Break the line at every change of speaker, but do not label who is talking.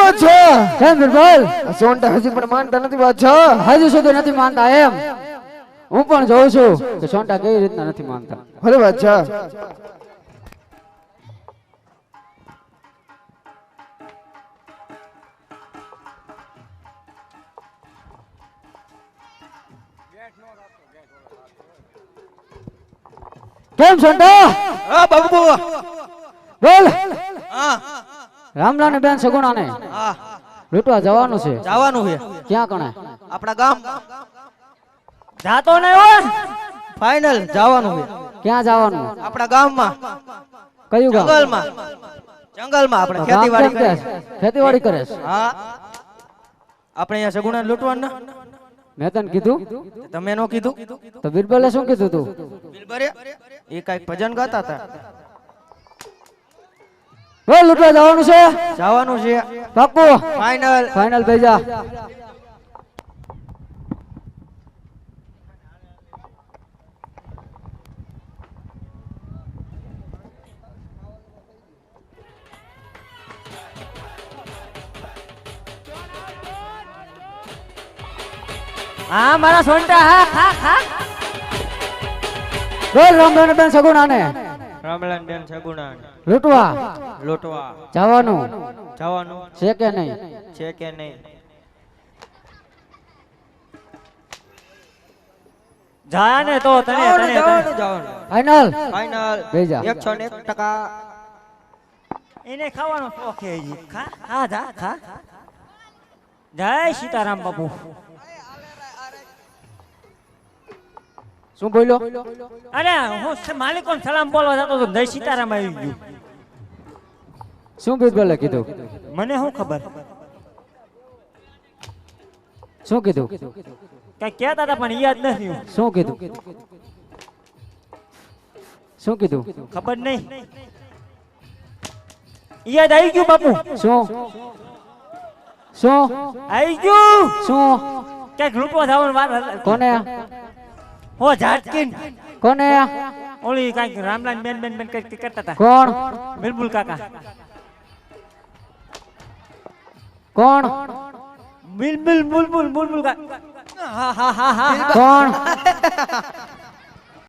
વાત છે
કેમ બિરબલ
સોંટા હજી પણ માનતા નથી બાદશાહ
હજી સુધી નથી માનતા એમ હું પણ જોઉં છું કે સોંટા કેવી રીતના નથી માનતા
ભલે બાદશાહ
કેમ સોંટા
હા બાબુ
બોલ
હા
રામલા ને બેન સગુણા ને
હા
લૂંટવા જવાનું છે
જવાનું છે
ક્યાં કણે
આપણા ગામ જાતો ને હો ફાઇનલ જવાનું છે
ક્યાં જવાનું
આપણા ગામમાં
કયું ગામ
જંગલમાં આપણે
ગામ
ખેતીવાડી
કેમ કે
કરીએ
ખેતીવાડી કરે છે
હા આપણે અહીંયા સગુણા લૂંટવાના
મેં તને કીધું
તમે નો કીધું
તો બિરબલે શું કીધું તું
બિલબરે એ કઈક ભજન ગાતા હતા
બોલ લૂંટવા જવાનું છે
જવાનું છે
પાક્કું
ફાઇનલ
ફાઇનલ ભેજા
હા મારા સોંટા હા હા હા
બોલ રામલાને બેન સગુણા ને
રામલાન બેન સગુણા
લૂંટવા
લોટવા
જવાનું
જવાનું
છે કે નહીં
છે કે નહીં જા ને તો તને જવાનું
ફાઇનલ
ફાઇનલ
ભેજા
101% એને ખાવાનો શોખ છે જી ખા ખા જા ખા જય સીતારામ બાપુ
શું બોલ્યો
અરે હું માલિકોને સલામ બોલવા જતો તો જય સીતારામ આવી ગયું
શું બિરબલે કીધું
મને શું ખબર
શું કીધું
કઈ કહેતા હતા પણ યાદ નથી
શું કીધું શું કીધું
ખબર નહીં યાદ આવી ગયું બાપુ
શું શું
આવી ગયું
શું
કઈક લૂંટવા જવાનું વાત
કોને
હો ઝાટકીન
કોને
ઓલી કઈક રામલાલ બેન બેન બેન કઈક કરતા હતા
કોણ
બિલબુલ કાકા
કોણ
બિલબુલ બુલબુલ બુલબુલ કાકા હા હા હા હા
કોણ